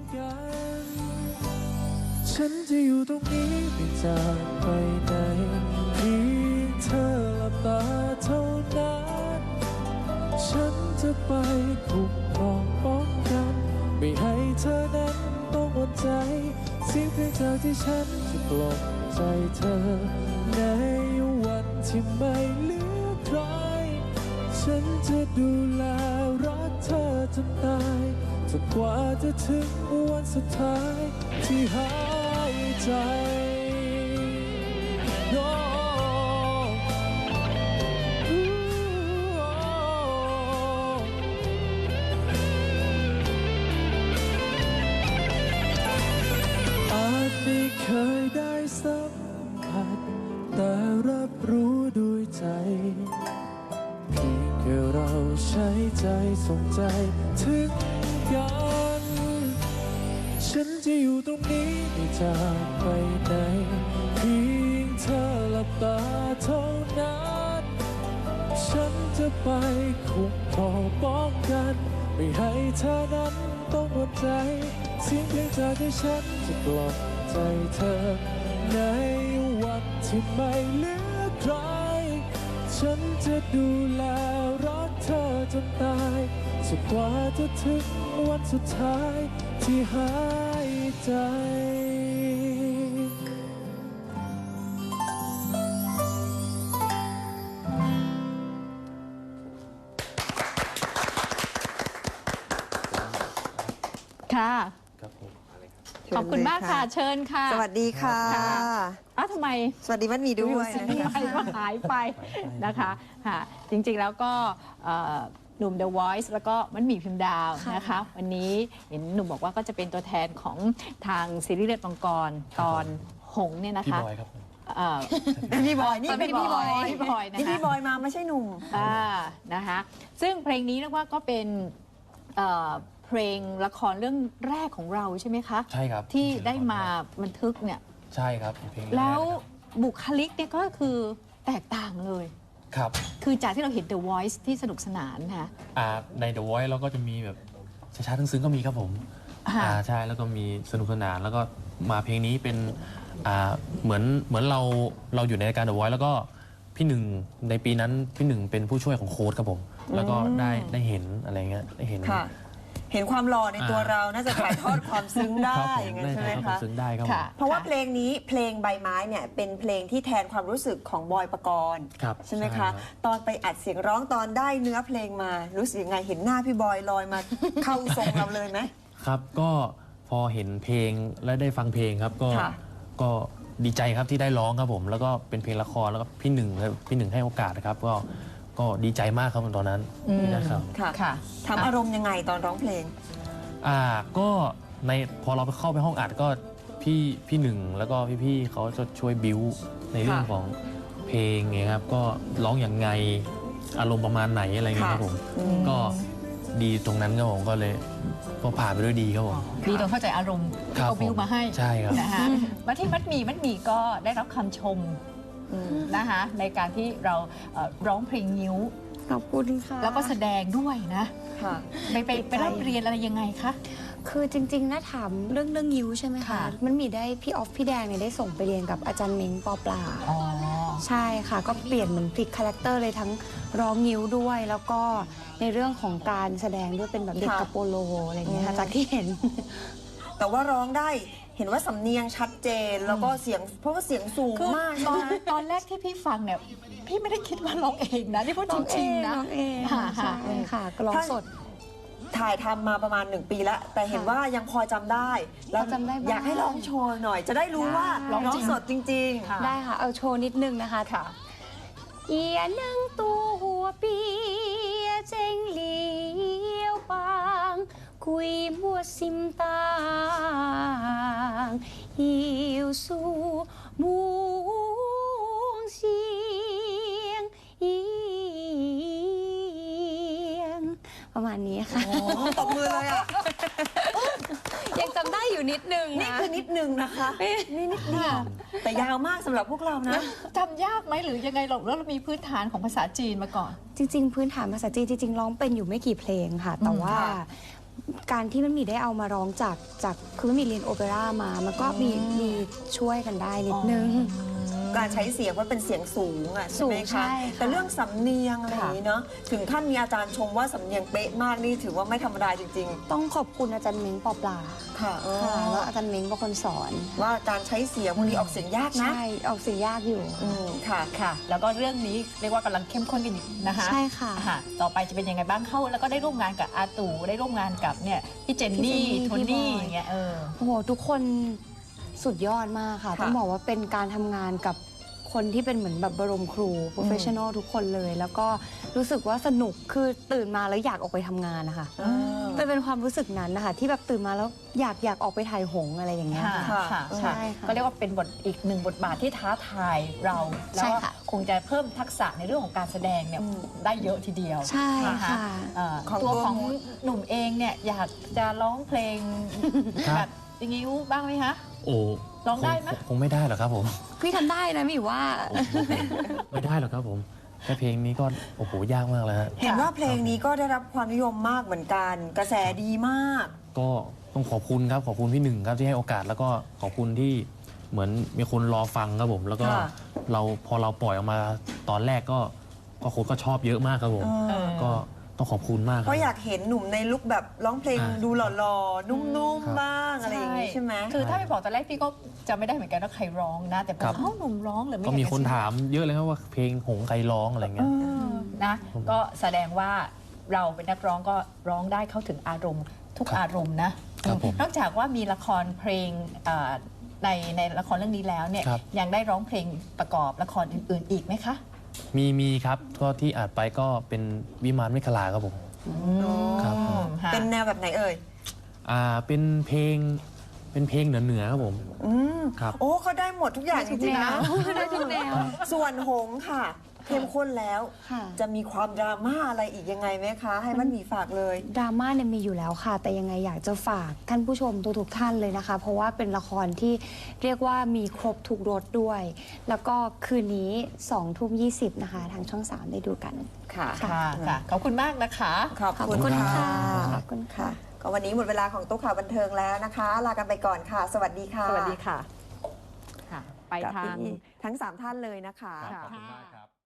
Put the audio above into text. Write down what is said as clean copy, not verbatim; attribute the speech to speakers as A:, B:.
A: กันฉันจะอยู่ตรงนี้ไม่จากไปไหนเพียงเธอหลับตาเท่านั้นฉันจะไปคุ้มครองป้องกันไม่ให้เธอนั้นต้องหมดใจเสียงเพลงจากที่ฉันจะปลอบใจเธอในวันที่ไม่เหลือใครฉันจะดูแลรักเธอจนตายจนกว่าจะถึงวันสุดท้ายที่หายใจ อาจไม่เคยได้สัมผัสแต่รับรู้ด้วยใจเพียงแค่เราใช้ใจส่งใจถึงกันฉันจะอยู่ตรงนี้ไม่จากไปไหนเพียงเธอหลับตาเท่านั้นฉันจะไปคุ้มครองป้องกันไม่ให้เธอนั้นต้องหมดใจเสียงเพลงจากที่ฉันจะปลอบใจเธอในวันที่ไม่เหลือใครฉันจะดูแลรักเธอจนตายจนกว่าจะถึงวันสุดท้ายที่หายใจ
B: ค่ะ
A: ครับผม
B: ขอบคุณมากค่ะเชิญค่ะ
C: สวัสดีค่ะ
B: ทำไม
C: สวัสดีมัดมีด้วย
B: ไปก็หายไปนะคะค่ะจริงๆแล้วก็หนุ่ม The Voice แล้วก็มันมีพิมพ์ดาวนะคะวันนี้เห็นหนุ่มบอกว่าก็จะเป็นตัวแทนของทางซีรีส์เลือดมังกรตอนหงเนี่ยนะคะ
A: พี่บอยครับ
C: พี่บอยนี่เป็นพี่บอย
B: พี่บอยนะคะ
C: นี่พี่บอยมาไม่ใช่หนุ่ม
B: นะคะซึ่งเพลงนี้เรียกว่าก็เป็นเพลงละครเรื่องแรกของเราใช่ไหมคะ
A: ใช่ครับ
B: ที่ได้มาบันทึกเนี่ย
A: ใช่ครับเพลง
B: แล้วบุคลิกเนี่ยก็คือแตกต่างเลย
A: ครับ
B: คือจากที่เราเห็น The Voice ที่สนุกสนานค่ะ
A: ใน The Voice เราก็จะมีแบบช้าๆซึ้งๆก็มีครับผมใช่แล้วก็มีสนุกสนานแล้วก็มาเพลงนี้เป็นเหมือนเราอยู่ในรายการ The Voice แล้วก็พี่หนึ่งในปีนั้นพี่หนึ่งเป็นผู้ช่วยของโค้ชครับผมแล้วก็ได้เห็นอะไรเงี้ยได้เห็น
C: ความหล่อในตัวเราน่าจะถ่ายทอดความซึ้งได้อย่างนั้นใช่ไหมคะ
A: ซึ้งได้ครับ
C: เพราะว่าเพลงนี้เพลงใบไม้เนี่ยเป็นเพลงที่แทนความรู้สึกของบอยปกรณ์ใช่ไหมคะตอนไปอัดเสียงร้องตอนได้เนื้อเพลงมารู้สึกยังไงเห็นหน้าพี่บอยลอยมาเข้าทรงเราเลยไหม
A: ครับก็พอเห็นเพลงและได้ฟังเพลงครับก็ดีใจครับที่ได้ร้องครับผมแล้วก็เป็นเพลงละครแล้วก็พี่หนึ่งให้โอกาสนะครับก็ดีใจมากครับตอนนั้นนะครับ
C: ค่ะทำอารมณ์ยังไงตอนร้องเพลง
A: ก็พอเราไปเข้าไปห้องอัดก็พี่หนึ่งแล้วก็พี่เขาจะช่วยบิ้วในเรื่องของเพลงไงครับก็ร้องอย่างไงอารมณ์ประมาณไหนอะไรเงี้ยครับผมก็ดีตรงนั้นครับผมก็เลยก็ผ่านไปด้วยดีครับผม
B: ดีตรงเข้าใจอารมณ์ที่เขาบิ้วมาให้
A: ใช่ครับ
B: นะคะมาที่มัดหมี่ก็ได้รับคำชมนะคะในการที่เราร้องเพลงนิ้ว
C: ขอบคุณค่ะ
B: แล้วก็แสดงด้วยนะไปรับเรียนอะไรยังไงคะ
D: คือจริงๆนะถามเรื่องยิ้วใช่ไหมคะมันมีได้พี่ออฟพี่แดงเนี่ยได้ส่งไปเรียนกับอาจารย์เม้งปอปลาใช่ค่ะก็เปลี่ยนเหมือนพลิกคาแรคเตอร์เลยทั้งร้องยิ้วด้วย แล้วก็ในเรื่องของการแสดงด้วยเป็นแบบเด็กกระโปโลอะไรอย่างเงี้ยค่ะจากที่เห็น
C: แต่ว่าร้องได้เห็นว่าสำเนียงชัดเจนแล้วก็เสียงเพราะว่าเสียงสูงมาก
B: ตอนแรกที่พี่ฟังเนี่ยพี่ไม่ได้คิดว่าร้องเองนะที่พูดจริงๆนะ
D: ร้องเองใช่ค่ะก็ร้องสด
C: ถ่ายทำมาประมาณ1 ปีแล้วแต่เห็นว่ายังพอจำได้แล้วอยากให้ร้องโชว์หน่อยจะได้รู้ว่าร้องสดจริง
D: ๆได้ค่ะเอาโชว์นิดนึงนะคะเอียนังตัวหัวปีเจงเหลียวบางคุยมัวซิมตางหิวสู่มูงเสียงเอียงประมาณนี้ค่ะ
C: ตบมือเลยอ่ะ
D: ยังจำได้อยู่นิดนึง
C: นี่คือนิดนึงนะคะนี่นิดเดียวแต่ยาวมากสำหรับพวกเรานะ
B: จำยากไหมหรือยังไงหรอกแล้วเรามีพื้นฐานของภาษาจีนมาก่อน
D: จริงๆพื้นฐานภาษาจีนจริงๆร้องเป็นอยู่ไม่กี่เพลงค่ะแต่ว่าการที่มันมีได้เอามาร้องจากคือมันมีเรียนโอเปร่ามามันก็มีช่วยกันได้นิดนึง
C: การใช้เสียงว่าเป็นเสียงสูงอ่ะใช่ไหม
D: สูงใช่
C: คะ
D: ค่ะ
C: แต่เรื่องสำเนียงอะไรอย่างนี้เนาะถึงขั้นมีอาจารย์ชมว่าสำเนียงเป๊ะมากนี่ถือว่าไม่ธรรมดาจริง
D: ต้องขอบคุณอาจารย์เม้งปอปลา
C: ๆ ค่ะ
D: ค่ะแล้วอาจารย์เม้งเป็นคนสอน
C: ว่าการใช้เสียงบางทีออกเสียงยากนะ
D: ใช่ออกเสียงยากอยู่
C: ค่ะ
B: ค่ะ แล้วก็เรื่องนี้เรียกว่ากำลังเข้มข้นกันอยู่นะคะ
D: ใช่ค่ะ
B: ต่อไปจะเป็นยังไงบ้างเข้าแล้วก็ได้ร่วมงานกับอาตู่ได้ร่วมงานกับเนี่ยพี่เจนนี่
D: พี่
B: โท
D: เจนนี่
B: นี่
D: พี่บอย
B: อย่างเงี้ย
D: โอ้โหทุกคนสุดยอดมากค่ะ
C: ค่ะ
D: ต้องบอกว่าเป็นการทำงานกับคนที่เป็นเหมือนแบบบรมครูโปรเฟชชั่นอลทุกคนเลย แล้วก็รู้สึกว่าสนุกคือตื่นมาแล้วอยากออกไปทำงานนะคะเป็นความรู้สึกนั้นนะคะที่แบบตื่นมาแล้วอยากออกไปถ่ายหงส์อะไรอย่างเงี้ย
B: ค่ะ
D: ค่ะ
B: ค่ะ
D: ใช่ค่ะ
B: ก็เรียกว่าเป็นอีกหนึ่งบทบาทที่ท้าทายเรา แล้ว
D: ใช่
B: ก็
D: ค่ะ
B: คงจะเพิ่มทักษะในเรื่องของการแสดงเนี่ยได้เยอะทีเดียว
D: ใช่
B: น
D: ค่ะ
C: ของ
B: ตัว
C: ตัว
B: ของหนุ่มเองเนี่ยอยากจะร้องเพลง
A: ครับ
B: แบบอย่างนี้บ้างไหมคะ
A: โอ้
B: ร้องได้ไหม
A: คงไม่ได้หรอกครับผม
D: พี่ทำได้นะหมิวว่า
A: ไม่ได้หรอกครับผมแค่เพลงนี้ก็โอ้โหยากมากแล้วฮะ
C: เห็นว่าเพลงนี้ก็ได้รับความนิยมมากเหมือนกัน กระแสดีมาก
A: ก็ต้องขอบคุณครับขอบคุณพี่หนึ่งครับที่ให้โอกาสแล้วก็ขอบคุณที่เหมือนมีคนรอฟังครับผม แล้วก็
C: ค่ะ
A: พอเราปล่อยออกมาตอนแรกก็คนก็ชอบเยอะมากครับผม ก็ต้องขอบคุณมากค
C: เพ
A: รับ
C: ราะอยากเห็นหนุ่มในลุคแบบร้องเพลง
A: อ่า
C: ดูหล่อๆ นุ่ม
A: ครับ
C: ๆ บ้างอะไรอย่างนี้ใช่ไหม
B: คือถ้าไปบอกตอนแรกพี่ก็จะไม่ได้เหมือนกันว่าใครร้องนะ แต่พอ
A: ครับ
B: เอ้าหนุ่มร้องเหรือไม่
A: ก็มีคนถามเยอะเลยครับว่าเพลงหงใครร้องอะไรเงี้ย
B: นะ ก็แสดงว่าเราเป็นนักร้องก็ร้องได้เข้าถึงอารมณ์ทุก
A: ครับ
B: อารมณ์นะครับ
A: ผม
B: นอกจากว่ามีละครเพลงในละครเรื่องนี้แล้วเนี่ย
A: ครับ
B: ยังได้ร้องเพลงประกอบละครอื่นๆอีกไหมคะ
A: มีครับก็ที่อัดไปก็เป็นวิมานเมฆลาครับผม ครับผม
B: ค่ะ
C: เป็นแนวแบบไหนเอ่ย
A: เป็นเพลงเหนือครับผม ครับ
C: โอ้เขาได้หมดทุกอย่างจริงๆนะ
D: ได้ทุกแนว
C: ส่วนหงส์ค่ะ เข้มข้นแล้ว
D: ค่ะ
C: จะมีความดราม่าอะไรอีกยังไงไหมคะ ให้มันมีฝากเลย
D: ดราม่าเนี่ยมีอยู่แล้วค่ะ แต่ยังไงอยากจะฝากท่านผู้ชมทุกๆท่านเลยนะคะ เพราะว่าเป็นละครที่เรียกว่ามีครบทุกรสด้วย แล้วก็คืนนี้20:20นะคะ ทางช่อง 3 ได้ดูกัน
C: ค่ะ
B: ค่ะขอบคุณมากนะคะ
C: ขอบคุณ
D: ขอบคุณ
C: ค่ะ
D: ค่ะขอบคุณค่ะ
C: ก็วันนี้หมดเวลาของตุ๊กข่าวบันเทิงแล้วนะคะ ลากันไปก่อนค่ะ สวัสดีค่ะ
B: สวัสดีค่ะ ไป
C: กับ
B: ทาง
C: พี่ทั้ง 3 ท่านเลยนะคะ
A: ขอบคุณมากครับ